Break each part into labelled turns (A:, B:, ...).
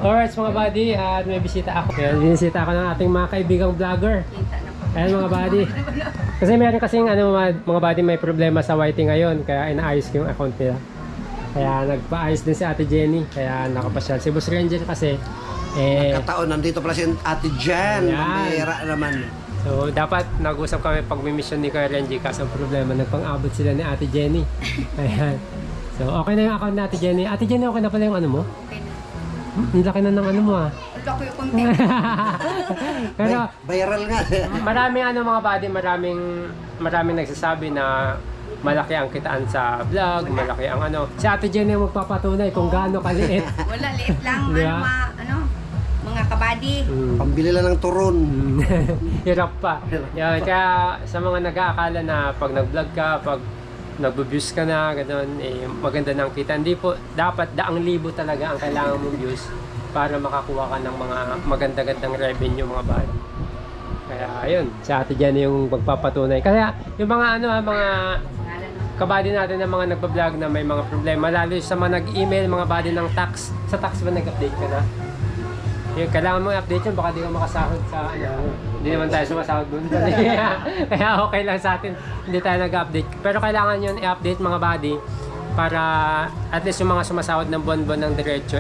A: Alright mga buddy, at may bisita ako. Ayan, binisita ako ng ating mga kaibigang vlogger. Ayan mga buddy. Kasi meron kasing mga buddy may problema sa YT ngayon, kaya inaayos ko yung account nila. Kaya nagpaayos din si Ate Jenny, kaya nakapasyal. Si Boss Ranger kasi,
B: Kataon, nandito pala si Ate Jen. Pambihira naman.
A: So dapat nag-usap kami pag may mission ni Kuya Renji, kaso ang problema, nagpang-abot sila ni Ate Jenny. Ayan. So okay na yung account ni Ate Jenny. Ate Jenny, okay na pala yung ano mo?
C: Okay na.
A: Ang laki na ng ano mo ah.
C: Ang laki yung content.
A: Pero
B: Viral nga.
A: maraming mga buddy, maraming nagsasabi na malaki ang kitaan sa vlog, malaki ang Si Ate Jenny yung magpapatunay kung gaano kaliit.
C: Wala, liit lang.
A: Diba?
C: Mga kabady.
B: Pambili lang ng turon.
A: Hirap pa. Yan, kaya sa mga nag-aakala na pag nag-vlog ka, pag nag-views ka na, gano'n, maganda ng kita. Hindi po, dapat daang libo talaga ang kailangan mong views para makakuha ka ng mga maganda-gandang revenue mga buddy. Kaya ayun, sa Ate Jenny yung magpapatunay. Kaya yung mga mga kabady natin na mga nagpa-vlog na may mga problema, lalo sa mga nag-email, mga buddy ng tax. Sa tax ba nag-update ka na? Yung kailangan mo i-update yun, baka di ka makasahod sa hindi naman tayo sumasahod doon. Kaya okay lang sa atin, hindi tayo nag-update. Pero kailangan yun i-update mga buddy para at least yung mga sumasahod ng buwan-buwan ng diretso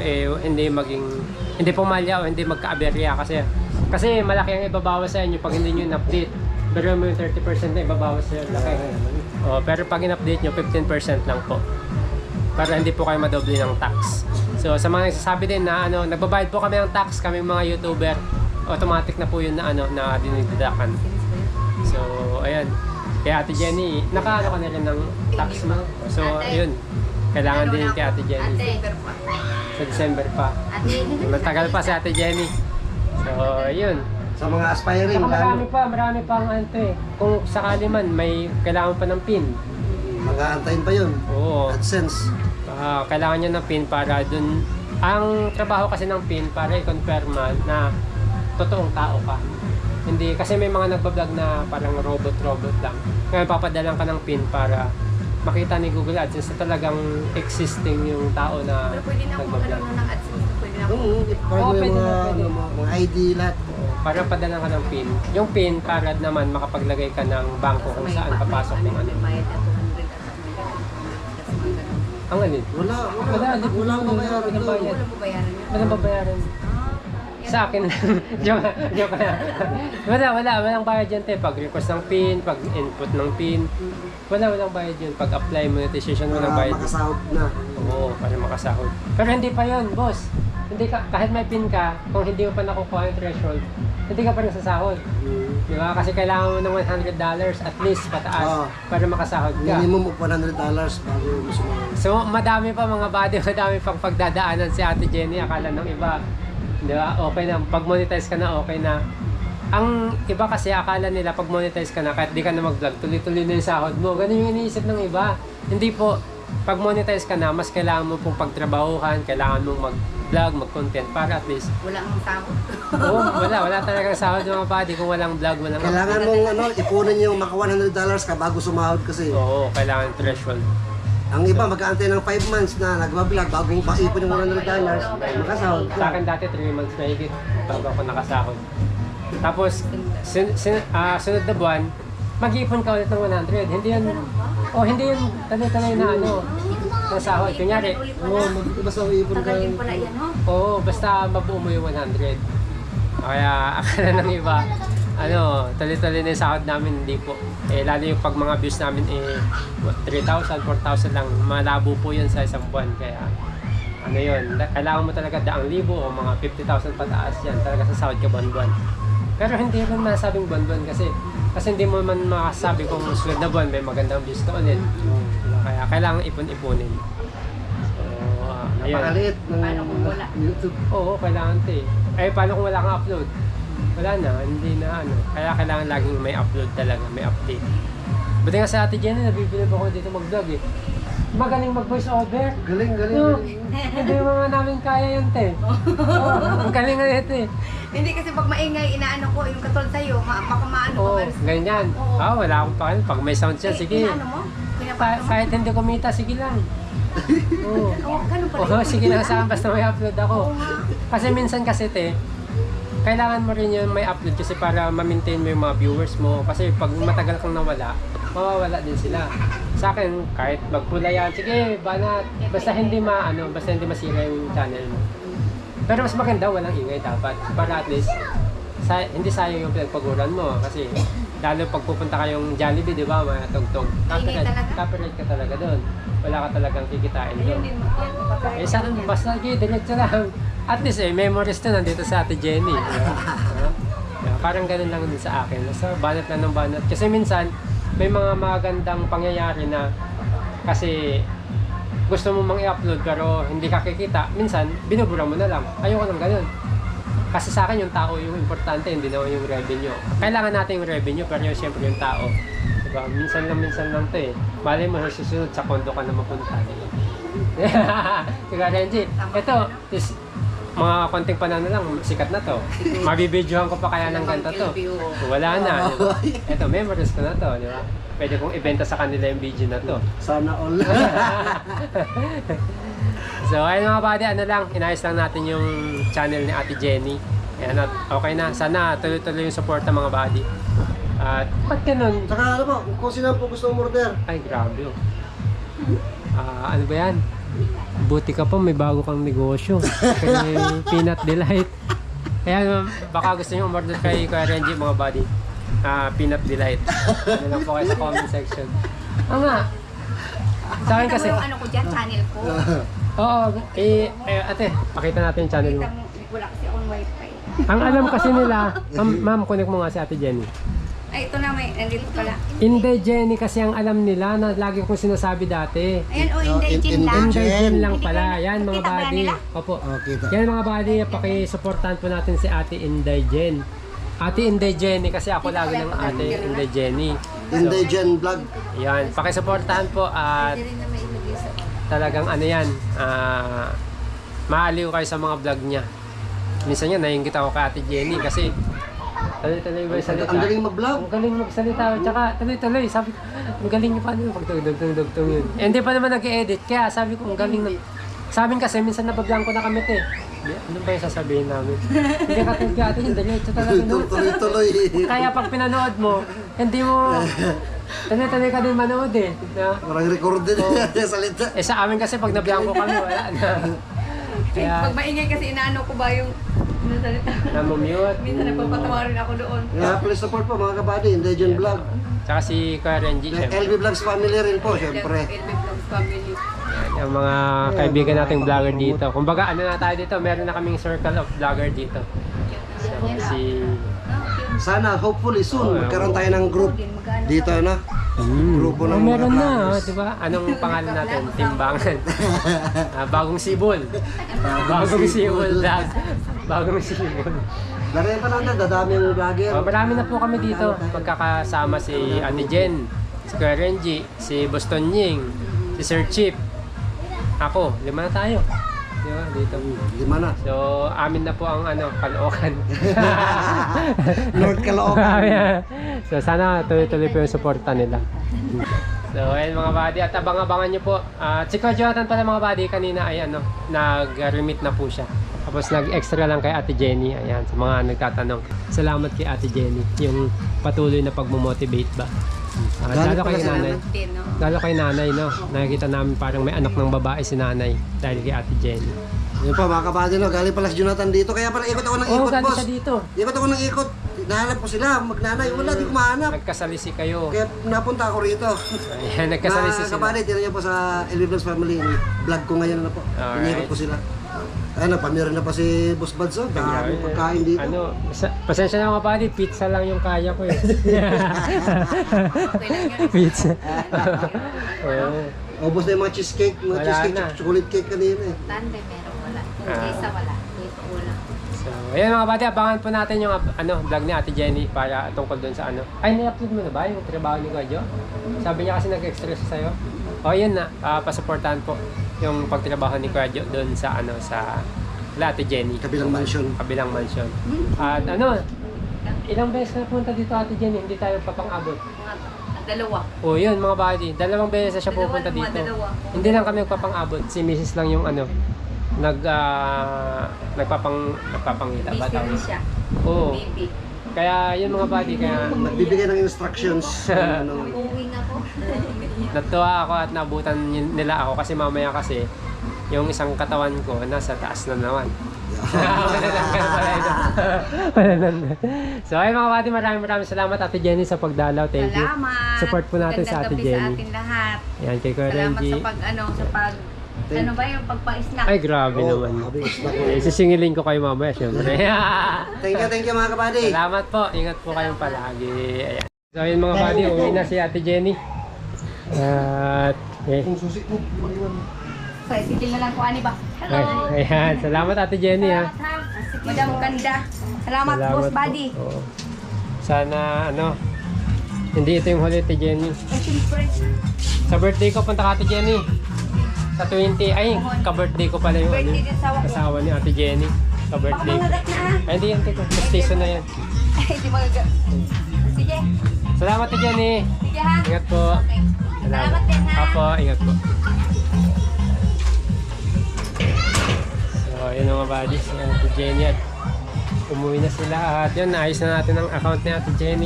A: hindi pumalya o hindi magka-aberya kasi malaki ang ibabawas sa inyo pag hindi nyo in-update. Pero yung 30% na ibabawas sa laki. Pero pag in-update nyo, 15% lang po. Para hindi po kayo madoble ng tax. So sa mga nagsasabi din na nagbabayad po kami ng tax, kami mga YouTuber, automatic na po yun na na dinididakan. So ayan. Kaya Ate Jenny, naka ka na rin ng tax mo. So ayun. Kailangan din kay Ate Jenny. Sa December pa. Matagal pa si Ate Jenny. So ayun.
B: Sa mga aspiring.
A: Saka marami pang Kung sakali man may kailangan pa ng PIN.
B: Mag-aantayin pa yun.
A: Oo.
B: AdSense.
A: Kailangan nyo ng PIN para dun. Ang trabaho kasi ng PIN para i-confirm na totoong tao ka. Hindi, kasi may mga nagbablog na parang robot lang. Ngayon papadalan ka ng PIN para makita ni Google AdSense na talagang existing yung tao na
C: Pero pwede na kung
A: nagbablog.
C: ng AdSense. Pwede na kung...
A: Pwede na, pwede.
B: Mga ID lahat.
A: Para padalan ka ng PIN. Yung PIN para naman makapaglagay ka ng bangko kung saan papasok yung
C: May bayad na 200 at
A: Ang alin?
B: Wala
A: Walang babayaran.
C: Walang babayaran yun.
A: Walang babayaran. Sa akin joke lang. Walang bayad yan pag request ng PIN, pag input ng PIN. Walang bayad yun. Pag apply monetization, walang bayad.
B: Para makasahod na.
A: Oo, para makasahod. Pero hindi pa yun, boss. Hindi ka, kahit may PIN ka, kung hindi mo pa nakukuha yung threshold, hindi ka pa rin sasahod. Di ba? Kasi kailangan mo ng $100 at least pataas para makasahod ka.
B: Minimum of $100 bago mo sumahod.
A: So, madami pa mga buddy, madami pang pagdadaanan si Ate Jenny. Akala ng iba, di ba? Okay na. Pag monetize ka na, okay na. Ang iba kasi akala nila pag monetize ka na, kahit di ka na mag-vlog, tuloy-tuloy na yung sahod mo. Ganun yung iniisip ng iba. Hindi po. Pag monetize ka na, mas kailangan mo pong pagtrabahuhan, kailangan mong mag-vlog, mag-content para at least.
C: Wala ang sahod.
A: Wala talagang sahod mga buddy kung walang vlog, walang.
B: Kailangan mong ipunin yung maka $100 ka bago sumahod kasi.
A: Oo, kailangan threshold.
B: Ang iba mag-aantay ng 5 months na nagbablog bago ipon yung $100, makasahod.
A: Sa akin dati 3 months na higit bago ako nakasahod. Tapos, sunod na buwan, mag-iipon ka ulit ng 100. Hindi yun tanay-tanay na ng sahod. Kunyari,
B: Basta iipon ka.
C: Tagal din pala yan, no?
A: oo, basta mabuo mo yung 100. Kaya akala ng iba, tuloy-tuloy na yung sahod namin, hindi po. Lalo yung pag mga views namin, 3,000, 4,000 lang, malabo po yun sa isang buwan. Kaya, yun, kailangan mo talaga 100,000 o mga 50,000 pataas yan, talaga sa sahod ka buwan-buwan. Pero hindi rin masabing buwan-buwan kasi hindi mo man makasabi kung susunod na buwan may magandang views ka ulit. Kaya kailangan ipon-ipunin. So, ayun.
B: Napakaliit
C: Paano kung wala?
B: YouTube.
A: Oo, kailangan paano kung wala kang upload? Wala na, hindi na Kaya kailangan laging may upload talaga, may update. Buti nga sa Ate Jenny, nabibili pa ako dito mag-vlog Magaling mag-voice over.
B: Galing.
A: Hindi mga namin kaya yun, ang galing nga ito
C: Hindi kasi pag maingay, inaano ko, yung katulad sa'yo, baka maano
A: Oo,
C: ka.
A: ganyan.
C: Oo.
A: Wala akong pakialam. Pag may sound siya, sige.
C: Inaano mo? Pinapano mo?
A: Kahit hindi kumita, sige lang. Oo.
C: Oh, ganun pala.
A: Oo, sige na sa basta may upload ako. Kasi minsan kasi kailangan mo rin yung may upload kasi para ma-maintain mo yung mga viewers mo. Kasi pag matagal kang nawala, mawawala din sila. Sa akin, kahit magpula yan, sige, banat. Basta hindi masira yung channel mo. Pero mas maganda, walang ingay dapat. Para at least, hindi sayang yung pinagpaguran mo. Kasi, lalo pag pupunta kayong Jollibee, di ba, mga tugtog.
C: Ingay talaga.
A: Copyright ka talaga doon. Wala ka talagang kikitain
C: Ayun
A: doon.
C: din, yan, papayag.
A: Saan, basta diretso lang. At least memories to nandito sa Ate Jenny. Parang ganun lang din sa akin. Basta banat lang ng banat. Kasi minsan, may mga magandang pangyayari na kasi gusto mo mang i-upload pero hindi ka kikita. Minsan, binubura mo na lang. Ayoko ng ganun. Kasi sa akin yung tao yung importante, hindi naman yung revenue. Kailangan natin yung revenue pero siyempre yung tao. Diba? Minsan lang to eh. Malay mo, susunod sa kondo ka na mapunta. Sige, Renji. Ito, mga konting panahon na lang, sikat na to. Mabibidyohan ko pa kaya ng ganito to. Wala na. Diba? Ito, memories ko na to. Diba? Pwede kong ibenta sa kanila yung video na to.
B: Sana all.
A: So, ayun mga buddy, inayos lang natin yung channel ni Ate Jenny. Ayan, at okay na. Sana tuloy-tuloy yung support ng mga buddy. At ba't ganun?
B: Saka ano po, kung sino po gusto umorder.
A: Ay, grabe oh. Ano ba yan? Buti ka pa, may bago kang negosyo. Kay Peanut Delight. Ayan, baka gusto nyo umorder kay Kuya Renji, mga buddy. Peanut Delight. Ano lang po kayo sa comment section. Nga. Sa akin kasi.
C: Ano ko dyan, channel ko.
A: Oo, ate, pakita natin yung channel mo.
C: Kita mo, wala kasi akong wifi.
A: Ang alam kasi nila, ma'am, connect mo nga si Ate Jenny.
C: Ay, ito na, nandito pala.
A: Hindi Jenny kasi ang alam nila na lagi kong sinasabi dati.
C: Ayan, Inday lang.
A: Inday Jen lang
C: Hindi
A: pala.
C: kayo-
A: Yan mga
C: kita ba
A: buddy.
C: nila?
A: Opo.
B: Okay,
A: Yan mga buddy, pakisuportahan po natin si Ate Inday Jen. Ate Inday Jenny kasi ako lagi ng Ate Inday Jenny.
B: Inday Jen Vlog.
A: Yan, pakisuportahan po at
C: Hindi rin na may ilagay sa...
A: talagang ano yan, maaliw kayo sa mga vlog niya. Minsan yan, naiingit ako kay Ate Jenny kasi tuloy-tuloy ba yung salita?
B: Ang galing mag-vlog.
A: Ang galing magsalita. Tsaka tuloy-tuloy. Sabi ko, ang galing niyo pa pag dugtong yun. Eh, hindi pa naman nag-edit. Kaya sabi ko, ang galing na. Sa amin kasi, minsan nabablang ko na kami te. Ano ba yung sasabihin namin? Hindi ka tulad ate yung diretso talaga. No?
B: Tuloy-tuloy.
A: Kaya pag pinanood mo, hindi mo... Tuloy-tuloy ka din manood eh. Na?
B: Parang record din yung salita.
A: Eh sa amin kasi pag nablang ko kami, wala na. Kaya,
C: Pag maingay kasi inaano ko ba yung salita.
A: namumute.
C: Minsan nagpapatawa rin ako doon.
B: Yeah, please support po mga kabady, Inday Jen Vlog.
A: Tsaka si Kuya Renji, syempre.
B: LB Vlogs family rin po, syempre.
C: LB Vlogs family.
A: Yung mga kaibigan nating vlogger dito. Kumbaga, ano na tayo dito, meron na kaming circle of vlogger dito. So, si...
B: Sana, hopefully soon, magkaroon tayo ng group dito, ano? Grupo ng mga
A: meron na,
B: vloggers.
A: di ba? Anong pangalan natin? Timbangan. Bagong Sibol. Bagong Sibol vlog. Bagong Sibol.
B: Lari pa lang na, dadami yung vlogger.
A: Marami na po kami dito. Magkakasama si Ate Jen, si Kuya Renji, si Boston Ying, si Sir Chip. Ako, 5 na tayo. Di ba? Dito.
B: 5 na.
A: So, amin na po ang Caloocan.
B: Lord Caloocan.
A: So, sana tuloy-tuloy po yung suporta nila. So, ayun mga buddy. At abang-abangan nyo po. At si Kuya Jonathan pala mga buddy, kanina ay nag-remit na po siya. Tapos nag-extra lang kay Ate Jenny. Ayan, sa mga nagtatanong. Salamat kay Ate Jenny. Yung patuloy na pagmumotivate ba. Lalo kay nanay. Lalo kay nanay, no? Nakikita namin parang may anak ng babae si nanay dahil kay Ate Jenny.
B: Yun po mga kabady, no? Galing pala si Jonathan dito. Kaya pala ikot ako ng
A: Oo,
B: ikot,
A: galing
B: boss.
A: siya dito.
B: Ikot ako ng ikot. Nahanap ko sila, magnanay. Wala, di ko mahanap.
A: Nagkasalisi kayo.
B: Kaya napunta ako rito.
A: Ayan, nagkasalisi
B: Mga
A: sila.
B: kabady, tira niyo po sa LB Vlogs family. Vlog ko ngayon na po.
A: Alright.
B: Inikot ko sila. Ayun, nagpamira na pa si Boss Bads. Oh. Dami pagkain dito.
A: Pasensya na mga buddy, pizza lang yung kaya ko eh.
C: Okay lang yun.
A: Pizza. Oo.
B: Ubos na yung mga cheesecake, mga
A: Wala
B: cheesecake,
A: na.
B: chocolate cake kanina eh.
C: Tande, meron wala. Isa wala. Dito wala.
A: So, ayan mga buddy, abangan po natin yung vlog ni Ate Jenny para tungkol doon sa Ay, na-upload mo na ba yung trabaho ni Kuya Jo? Sabi niya kasi nag-extra siya sa'yo. O, yun na. Pasuportahan po yung pagtrabaho ni Kuya Jo doon sa sa Ate Jenny.
B: Kabilang mansion.
A: Kabilang mansion. At ilang beses na punta dito Ate Jenny, hindi tayo papang-abot.
C: Mga Dalawa.
A: O yun mga buddy, dalawang beses siya
C: Dalawa
A: pupunta
C: naman,
A: dito.
C: dalawa.
A: Hindi lang kami nagpapang-abot, si Mrs. lang yung ano, nagpapangita ba
C: Busy rin
A: tawag?
C: siya.
A: Oo.
C: Baby.
A: Kaya yun mga buddy, kaya
B: Nagbibigay ng instructions. Ano,
C: Uuwi ako.
A: natuwa ako at nabutan nila ako kasi mamaya kasi yung isang katawan ko nasa taas na naman. So ay mga buddy, maraming salamat Ate Jenny sa pagdalaw. Thank you.
C: Salamat.
A: Support po natin sa Ate
C: Gandang gabi
A: Jenny.
C: sa atin lahat.
A: Yan kay Kuya
C: Salamat
A: Renji.
C: ano ba yung pagpa-snack?
A: Ay grabe
B: Oo,
A: naman.
B: sabi, snack mo.
A: Eh, sisingilin ko kayo mamaya syempre.
B: Thank you mga kabady.
A: Salamat po. Ingat po kayong palagi. Ayan. So yun mga buddy, uwi na si Ate Jenny. At
B: Kung susi mo, maliwan.
C: So, isitin na lang ko ani ba? Hello.
A: ayan. Salamat Ate Jenny ha.
C: Salamat, ha. Madam Ganda. Salamat, boss
A: po.
C: buddy.
A: Oo. Sana ano, hindi ito yung huli Ate Jenny.
C: Ay, siyempre.
A: Sa birthday ko punta ka Ate Jenny. Sa 20, ay ka-birthday ko pala yung ano,
C: Birthday din asawa ko.
A: asawa ni Ate Jenny.
C: Baka
A: Ka-birthday ko.
C: mangagat na
A: Ay hindi yan, tiko. Station na yan.
C: Ay, di magagat. Sige.
A: Salamat Ate Jenny.
C: Sige ha.
A: Ingat po.
C: Okay. Salamat din ha.
A: Apo, ingat po. So, yun mga buddies, si Ate Jenny at umuwi na sila at yun, naayos na natin ang account ni Ate Jenny.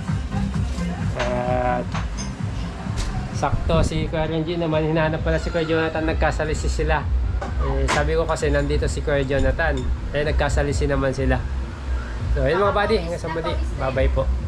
A: At sakto si Kuya Renji naman, hinahanap pala si Kuya Jonathan, nagkasalisi sila. Eh, sabi ko kasi nandito si Kuya Jonathan, eh nagkasalisi naman sila. So, yun mga buddy, hanggang sa muli. Bye bye po.